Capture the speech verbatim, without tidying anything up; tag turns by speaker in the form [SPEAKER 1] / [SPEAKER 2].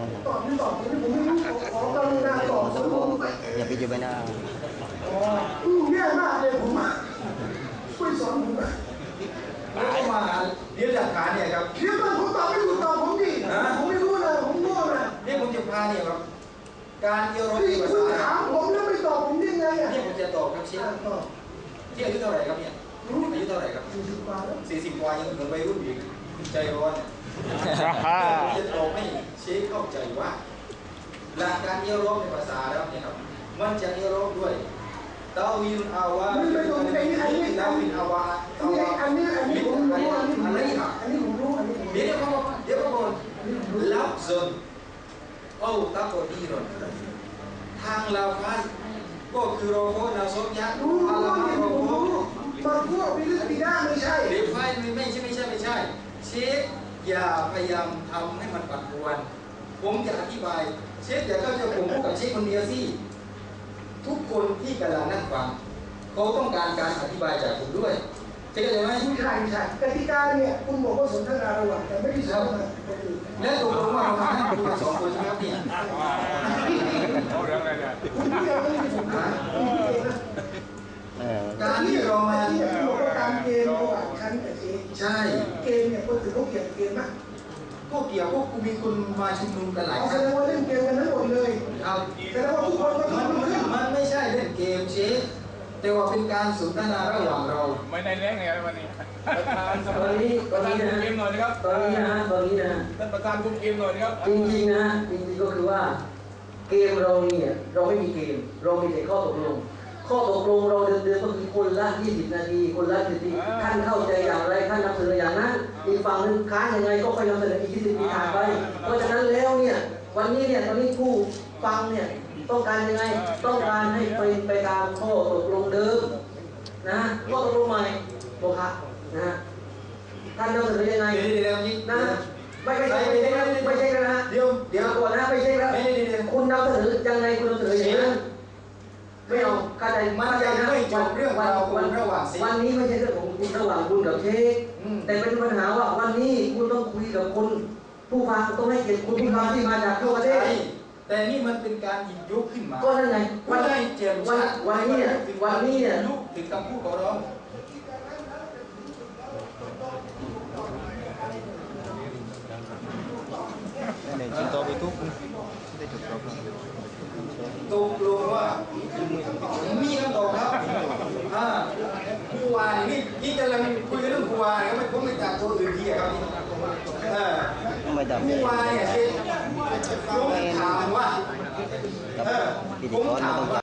[SPEAKER 1] ตอบไม่ตอบผมผมไม่รู้ขอกรุณาตอบผมไป
[SPEAKER 2] อย่าไปอยู่ใบหน้า
[SPEAKER 1] อ๋อแย่มากเลยผมช่วยสอนผมหน่อย
[SPEAKER 3] แล้วก็มาเรียนหลักฐานเนี่ยครับ
[SPEAKER 1] เดี๋ยวมันผมตอบไม่ถูกตอบผมดิผมไม่รู้นะผมโง่นะ
[SPEAKER 3] เนี่ยผมจะพาเนี่ยครับการเอียวรถในภาษา
[SPEAKER 1] คุณถามผมแล้วไม่ตอบผมยังไงอ่ะ
[SPEAKER 3] เนี่ยผมจะตอบครับเชฟที่อายุเท่าไหร่ครับเนี่ยอายุเท่าไหร่ครับ
[SPEAKER 1] สี่สิบกว่าแล้ว
[SPEAKER 3] สี่สิบกว่ายังเหมือนวัยรุ่นอีกใจร้อนเนี่ยจะตอบให้เชฟเข้าใจว่าหลักการเอียวรถในภาษาแล้วเนี่ยครับมันจะเอียวรถด้วยตาวินอาวา
[SPEAKER 1] ไม่ไม่ตรงนี้อันนี้
[SPEAKER 3] ตาวินอาวา
[SPEAKER 1] อันนี้อันนี้อันนี้ผมรู้อันนี้ผม
[SPEAKER 3] อะไร
[SPEAKER 1] รู้
[SPEAKER 3] ครับ
[SPEAKER 1] อันนี้ผมรู้อันนี้ผม
[SPEAKER 3] เดี๋ยวเขาบอกเดี๋ยวเขาบอกลับซนเอาตาโกดีรอนทางลาวพันก็คือโรโคนาโซยักษ์
[SPEAKER 1] รู้รู้
[SPEAKER 3] อาลา
[SPEAKER 1] อัน
[SPEAKER 3] มา
[SPEAKER 1] นี้
[SPEAKER 3] โร
[SPEAKER 1] ผม
[SPEAKER 3] โค
[SPEAKER 1] รู้มาพวกวิลิตีด้าไม่ใช่
[SPEAKER 3] เดี๋ยวไฟไม่ใช่ไม่ใช่ไม่ใช่เชฟอย่าพยายามทำให้มันปัดปวนผมจะอธิบายเชฟอย่าเข้าใจผมพูดกับเชฟคนเดียวสิทุกคนที่กำลังนั่งฟังเขาต้องการการอธิบายจากผมด้วยเชฟเข้าใจไหม
[SPEAKER 1] ไม่ใช่ไม่ใช่กติกาเนี่ยคุณบอกว่าสนทนาระหว่างแต่ไม่ได้สนทนาคนอื่น
[SPEAKER 3] และตกลงว่าเรามานั่งคุยกันสองคนใช่ไหมครับเนี่ย
[SPEAKER 4] เอาเรื่องอะไรเนี่ย
[SPEAKER 1] คุณพูดเองไม่ใช่ผมนะคุณพูดเองนะ
[SPEAKER 3] การที่เรามา
[SPEAKER 1] ที่คุณบอกว่าการเกณฑ์ระหว่างฉันกับเจ
[SPEAKER 3] ใช่
[SPEAKER 1] เกณฑ์เนี่ยคนอื่นเขาเขียนเกณฑ์มาก
[SPEAKER 3] ก็เกี่ยวพวกกูมีคนมาชุมนุมกันหลายค
[SPEAKER 1] เอาแส
[SPEAKER 3] รั้ง
[SPEAKER 1] ดงว่าเล่นเกมกันทั้งหมดเลย
[SPEAKER 3] ครับ
[SPEAKER 1] แสดงว่าทุกคนก็
[SPEAKER 3] มัน
[SPEAKER 1] ทำขึ้น
[SPEAKER 3] มันไม่ใช่เล่นเกมเชฟแต่ว่าเป็นการสนทนาระหว่างเรา
[SPEAKER 4] ไม่ได้เลี้ยงไงวันนี้ประธานส
[SPEAKER 5] ต
[SPEAKER 4] ภา
[SPEAKER 5] อนนี้ต
[SPEAKER 4] ป
[SPEAKER 5] อน
[SPEAKER 4] ระธาน
[SPEAKER 5] นี้
[SPEAKER 4] คุม
[SPEAKER 5] นะ
[SPEAKER 4] เกมหน่อยนะครับ
[SPEAKER 5] ตอนนี้นะตอนนี้นะ
[SPEAKER 4] ท่านประธานคุมเกมหน่อยนะครับ
[SPEAKER 5] จริงๆนะจริงๆก็คือว่าเกมเราเนี่ยเราไม่มีเกมเรามีแต่ข้อตกลงข้อตกลงเราเดิมๆก็คือคนละยี่สิบนาทีคนละสิบนาทีท่านเข้าใจอย่างไรท่านนำเสนออย่างนั้นอีกฝั่งนึงค้านยังไงก็ค่อยนำเสนออีกยี่สิบนาทีผ่านไปเพราะฉะนั้นแล้วเนี่ยวันนี้เนี่ยตอนนี้ผู้ฟังเนี่ยต้องการยังไงต้องการให้เป็นไปตามข้อตกลงเดิมนะข้อตกลงใหม่โมฆะนะท่านนำเสนอยังไง
[SPEAKER 3] เดี๋ยวเดี๋ยวนี้
[SPEAKER 5] นะไม่ไม่ใช่ไม่ใช่ไม่ใช่นะ
[SPEAKER 3] เดี๋ยวเดี๋ยว
[SPEAKER 5] ก่อนนะไม่ใช่แล้วคุณนำเสนอยังไงคุณนำเสนออย่างนั้นไม่เอาเข้าใจ
[SPEAKER 3] มันยังไม่จบเรื่องราวคุณระหว่างสิ
[SPEAKER 5] วันนี้ไม่ใช่เรื่องของคุณระหว่างคุณกับเชคแต่เป็นปัญหาว่าวันนี้คุณต้องคุยกับคนผู้ฟังต้องให้เกียรติคุณผู้ฟังที่มาจากทั่วประเทศ
[SPEAKER 3] แต่นี่มันเป็นการหยิบยกขึ้นมา
[SPEAKER 5] ก็นั่นไง
[SPEAKER 3] วันนี้เจ็บชัด
[SPEAKER 5] วันนี้เนี่ยวันนี้เนี่ย
[SPEAKER 3] ลุกถึงคำพูดของเรา
[SPEAKER 2] เนี่ยจินโตไปทุกได้ถูกต้อง
[SPEAKER 3] ตกลงว่ามีคำตอบครับอ่าผู้วายนี่นี่กำลังคุยเรื่องผู้วายก็ไม่พ้นไปจากตัวอื่นที่ครับอ่าผู้วายเนี่ยผมถามว่าผมถามว่า